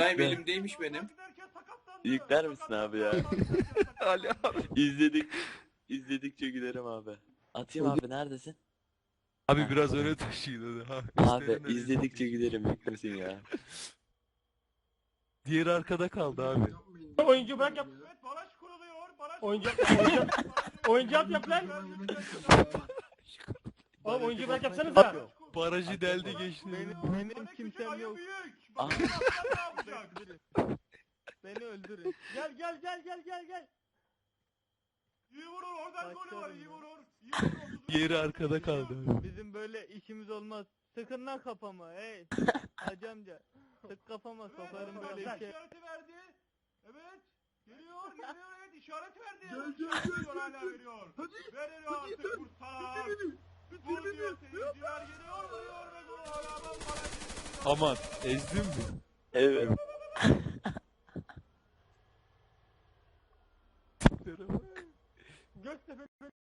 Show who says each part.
Speaker 1: İbrahim elimdeymiş benim.
Speaker 2: Yükler misin abi ya?
Speaker 3: Ali abi.
Speaker 2: İzledikçe gülerim abi. Atayım abi, neredesin?
Speaker 3: Abi
Speaker 2: Ha.
Speaker 3: biraz öne taşıyın onu. Ha,
Speaker 2: Abi
Speaker 3: üstlerinden
Speaker 2: izledikçe gülerim, yüklesin ya.
Speaker 3: Diğeri arkada kaldı abi.
Speaker 4: Oyuncu bırak yap.
Speaker 5: Evet, baraj kuruluyor. Baraj
Speaker 4: Oyuncu
Speaker 5: kuruluyor.
Speaker 4: oyuncu yap lan. Oğlum oyuncu bırak yapsanıza.
Speaker 5: Baraj kur-
Speaker 3: Barajı deldi geçti.
Speaker 6: Benim
Speaker 5: Küçük
Speaker 6: kimsem
Speaker 5: ayı
Speaker 6: yok.
Speaker 5: büyük.
Speaker 2: Ah.
Speaker 5: Bakalım aslan ne yapacak?
Speaker 6: Beni öldürün.
Speaker 4: Gel.
Speaker 5: İyi vurur, oradan golü var,
Speaker 6: Başlarım
Speaker 5: iyi
Speaker 6: ya.
Speaker 5: vurur. İyi vurur.
Speaker 3: Diğeri arkada kaldı abi.
Speaker 6: Bizim böyle işimiz olmaz. Sıkın lan kafama hey. Hacı amca. Sık kafama sokarım böyle bir şey.
Speaker 5: İşareti verdi. Evet. Geliyor, evet işaret verdi. Geliyor, hala veriyor. Veriyor artık kurtar. Vur diyor seyirciler, geliyor, vuruyor ve gol ayağından baraj.
Speaker 3: Aman ezdin mi?
Speaker 2: Evet.
Speaker 4: Göztepe